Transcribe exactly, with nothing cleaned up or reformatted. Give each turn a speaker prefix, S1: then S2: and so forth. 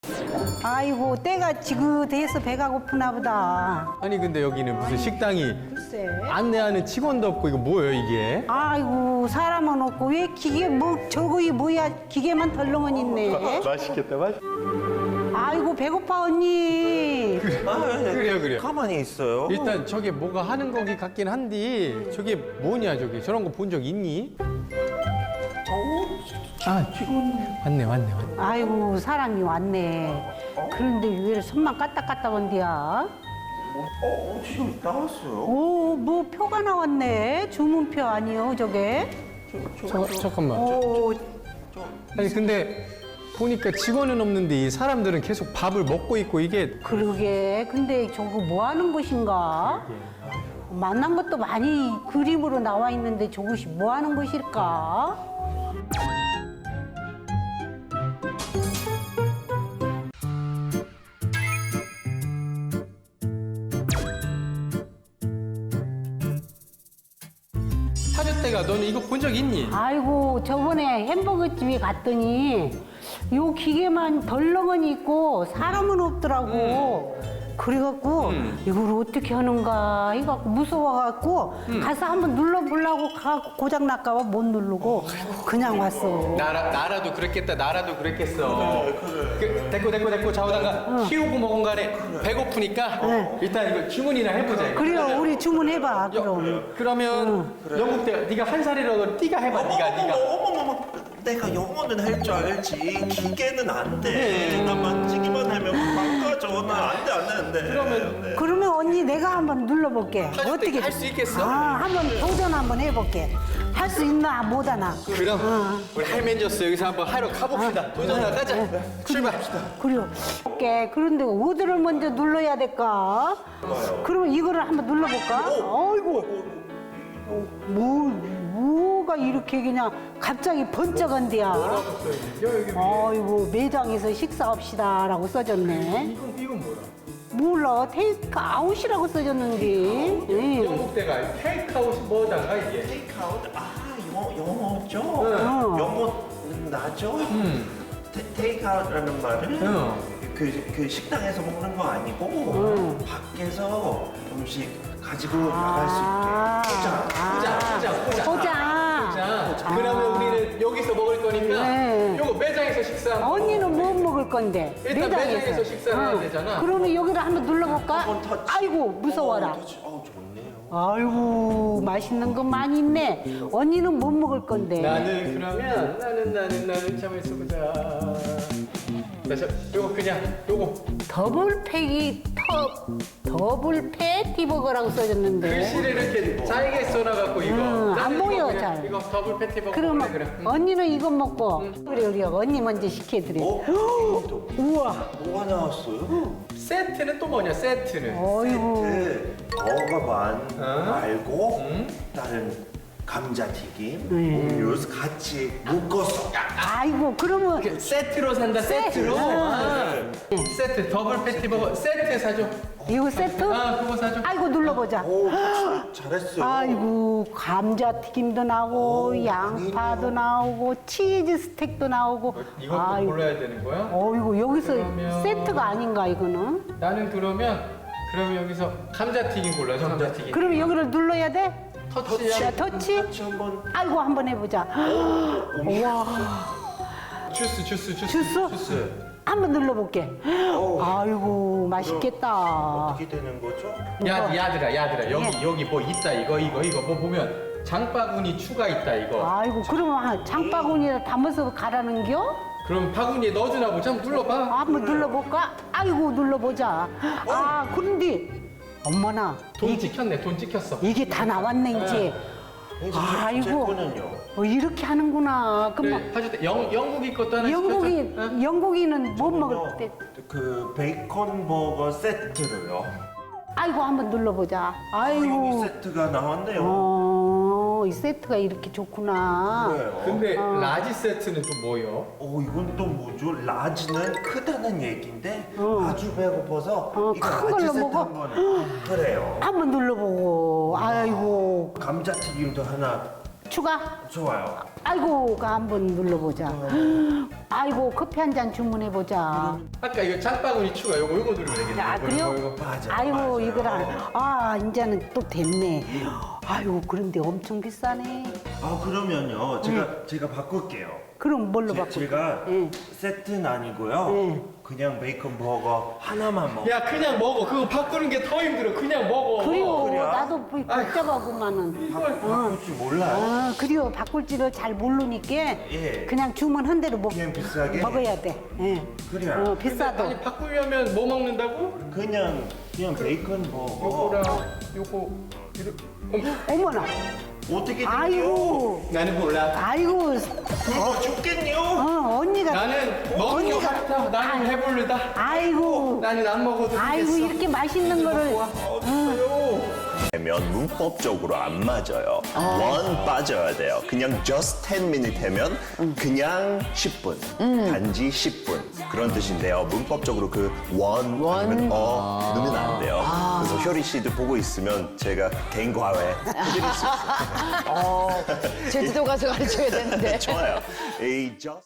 S1: 아이고 때가 지긋해서 배가 고프나 보다.
S2: 아니 근데 여기는 무슨 식당이
S1: 글쎄.
S2: 안내하는 직원도 없고 이거 뭐예요 이게?
S1: 아이고 사람은 없고 왜 기계 뭐 저거이 뭐야 기계만 덜렁은 있네.
S2: 맛있겠다 맛.
S1: 아이고 배고파 언니.
S3: 아, 네.
S2: 그래요 그래요.
S3: 가만히 있어요.
S2: 일단 저게 뭐가 하는 거기 같긴 한데 저게 뭐냐 저게 저런 거 본 적 있니? 아 직원 왔네 왔네 왔네.
S1: 아이고 사람이 왔네. 그런데 왜 손만 까딱까딱 온디야?
S3: 어, 지금 나왔어요.
S1: 오 뭐 표가 나왔네. 주문표 아니요 저게?
S2: 저, 잠깐만.
S1: 오
S2: 아니 근데 보니까 직원은 없는데 이 사람들은 계속 밥을 먹고 있고 이게
S1: 그러게. 근데 저거 뭐 하는 곳인가? 만난 것도 많이 그림으로 나와 있는데 저것이 뭐 하는 곳일까?
S2: 사줬대가 너는 이거 본 적 있니?
S1: 아이고 저번에 햄버거 집에 갔더니 요 기계만 덜렁은 있고 사람은 없더라고. 그래갖고
S2: 음.
S1: 이걸 어떻게 하는가 해갖고 무서워갖고 가서 한번 눌러보려고 가고 고장 날까봐 못 누르고 그냥 왔어.
S2: 나라, 나라도 그랬겠다 나라도 그랬겠어 그, 됐고 됐고 됐고 좌우당가 키우고 먹은 간에 배고프니까
S1: 네.
S2: 일단 이거 주문이나 해보자 이거.
S1: 그래요 우리 주문해봐
S2: 여-
S1: 그럼.
S2: 그러면 영국 때 네가 한 살이라도 네가 해봐 네가 네가
S3: 어머머머, 내가 영어는 할 줄 알지. 기계는 안 돼. 나 만지기만 하면 망가져. 나 안 돼, 안 돼, 안 돼.
S2: 그러면
S1: 그러면 언니 내가 한번 눌러볼게.
S2: 할수 있- 할수 있겠어?
S1: 아 한번 도전 한번 해볼게. 할 수 있나 못하나.
S2: 그럼 우리 할맨저스 여기서 한번 하러 가봅시다 도전하러 가자 출발
S1: 그래요. 오케이. 그런데 어디를 먼저 눌러야 될까? 그러면 이거를 한번 눌러볼까? 아이고, 뭐, 뭐가 이렇게 그냥 갑자기 번쩍한데야. 아이고, 매장에서 식사합시다라고 써졌네.
S2: 이건, 이건 뭐야?
S1: 몰라, 테이크 아웃이라고 써졌는데. 응.
S2: 영국 때가 테이크아웃이 뭐단가 이게?
S3: 테이크아웃? 아, 영어, 영어죠?
S1: 응.
S3: 영어는 나죠?
S2: 음.
S3: 테, 테이크아웃이라는 말은
S2: 응.
S3: 그, 그 식당에서 먹는 거 아니고
S1: 응.
S3: 밖에서 음식 가지고 나갈 수
S1: 아,
S3: 있게.
S2: 보자 보자 보자
S1: 보자.
S2: 자, 그러면 우리는 여기서 먹을 거니까
S1: 네.
S2: 요거 매장에서 식사
S1: 언니는 뭐 먹을 건데?
S2: 일단 매장에서 식사를 해야 되잖아.
S1: 그러면 여기를 한번 눌러볼까?
S3: 한번 터치.
S1: 아이고 무서워라.
S3: 어, 터치. 어, 좋네요.
S1: 아이고 맛있는 거 많이 있네. 언니는 못 먹을 건데.
S2: 나는 그러면 나는 나는 나는 참있어 보자 그래서 요거 그냥 요거
S1: 더블 패기 터 더블 패티버거라고 써졌는데.
S2: 글씨를 이렇게 잘게 써놔갖고 이거
S1: 음, 안
S2: 나는 이거
S1: 보여,
S2: 그냥
S1: 잘.
S2: 이거 더블 패티버거
S1: 그러면
S2: 그래, 그래. 응.
S1: 언니는 이거 먹고 그래 우리 언니 먼저 시켜드려.
S3: 어? 이것도
S1: 우와.
S3: 뭐가 나왔어요?
S2: 세트는 또 뭐냐 세트는
S1: 어이구.
S3: 세트 버거만
S2: 어?
S3: 말고
S2: 응?
S3: 다른 감자튀김,
S1: 네.
S3: 음료수 같이 묶어서
S1: 아이고 그러면
S2: 그 세트로 산다
S1: 세트.
S2: 세트로 아.
S3: 네.
S2: 세트 더블 패티버거 세트 사줘
S1: 이거 세트?
S2: 아 그거 사줘
S1: 아이고 눌러보자.
S3: 오, 잘- 잘했어요.
S1: 아이고 감자튀김도 나오고
S3: 오,
S1: 양파도
S3: 아니에요.
S1: 나오고 치즈 스택도 나오고.
S2: 이것도
S1: 아이고.
S2: 골라야 되는 거야?
S1: 어이구 여기서
S2: 그러면-
S1: 세트가 아닌가 이거는?
S2: 나는 그러면 그러면 여기서 감자튀김 골라줘 감자튀김
S1: 그럼 여기를 눌러야 돼?
S2: 터치야
S1: 자 터치?
S3: 같이 한번
S1: 아이고 한번 해보자. 우와
S2: 주스 주스 주스
S1: 주스?
S2: 주스
S1: 한번 눌러볼게. 아이고 맛있겠다.
S3: 어떻게 되는 거죠?
S2: 야 야들아 야들아 여기
S1: 예.
S2: 여기 뭐 있다 이거 이거 이거 뭐 보면 장바구니 추가 있다 이거
S1: 아이고 그러면 한 장바구니에 담아서 가라는겨?
S2: 그럼 바구니에 넣어주나 보자 한번 눌러봐
S1: 아, 한번 눌러볼까? 아이고 눌러보자. 아 그런데 어머나
S2: 돈 찍혔네 돈 찍혔어
S1: 이게 다 나왔네 이제.
S3: 제
S1: 아이고
S3: 거는요.
S1: 어, 이렇게 하는구나. 그럼
S2: 그래 해줄 때 영, 영국이 것도 하나
S1: 영국이
S2: 시켜줘 응?
S1: 영국이는 뭐 먹을 때?
S3: 그 베이컨 버거 세트로요.
S1: 아이고 한번 눌러보자.
S3: 아, 여기
S1: 아이고.
S3: 세트가 나왔네요.
S1: 어, 이 세트가 이렇게 좋구나.
S3: 그래요.
S2: 근데 라지 세트는 또 뭐요?
S3: 어, 이건 또 뭐죠? 라지는 크다는 얘긴데
S1: 어.
S3: 아주 배고파서
S1: 어,
S3: 이거
S1: 큰
S3: 라지
S1: 걸로
S3: 세트
S1: 먹어?
S3: 한번 그래요.
S1: 한번 눌러보고. 아이고.
S3: 감자튀김도 하나
S1: 추가?
S3: 좋아요.
S1: 아이고가 한번 눌러보자. 아이고 커피 한 잔 주문해보자.
S2: 아까 이거 장바구니 추가 요거 요거 누르면 되겠네.
S1: 아
S2: 요거,
S1: 그래요?
S2: 요거, 요거.
S3: 맞아,
S1: 아이고
S3: 맞아요.
S1: 이거랑 아 이제는 또 됐네. 아이고 그런데 엄청 비싸네.
S3: 아 그러면요 제가 제가 바꿀게요.
S1: 그럼 뭘로
S3: 제,
S1: 바꿔?
S3: 제가
S1: 예.
S3: 세트는 아니고요.
S1: 예.
S3: 그냥 베이컨 버거 하나만 먹어.
S2: 야 그냥 먹어. 그거 바꾸는 게 더 힘들어. 그냥 먹어.
S1: 그래요.
S3: 그래요?
S1: 나도 뭐 복잡하구만은.
S3: 바꿀 줄 몰라요.
S1: 아 그래요. 바꿀 줄을 잘 모르니까
S3: 예.
S1: 그냥 주문한 대로 먹,
S3: 그냥 비싸게?
S1: 먹어야 돼. 예.
S3: 그래요.
S1: 어, 비싸도.
S2: 아니 바꾸려면 뭐 먹는다고?
S3: 그냥 그냥 베이컨 버거.
S2: 요거랑 요거 이렇게. 어머,
S1: 어머나.
S3: 어떻게 돼요?
S1: 아이고.
S2: 나는 몰라.
S1: 아이고.
S3: 어 죽겠네요.
S1: 어 언니가.
S2: 나는 먹는 게
S1: 언니가-
S2: 싫다. 나는 배부르다.
S1: 아이고.
S2: 나는 안 먹어도
S1: 아이고
S2: 되겠어.
S1: 이렇게 맛있는 거를.
S4: 되면 문법적으로 안 맞아요. 원 빠져야 돼요. 그냥 just ten minute 되면 그냥 십 분, 단지 십 분 그런 뜻인데요. 문법적으로 그 원 아니면 어 넣으면 안 돼요. 그래서 효리 씨도 보고 있으면 제가 개인 과외 해드릴 수 있어요.
S5: 제주도 가서 가르쳐야 되는데.
S4: 좋아요. 이 just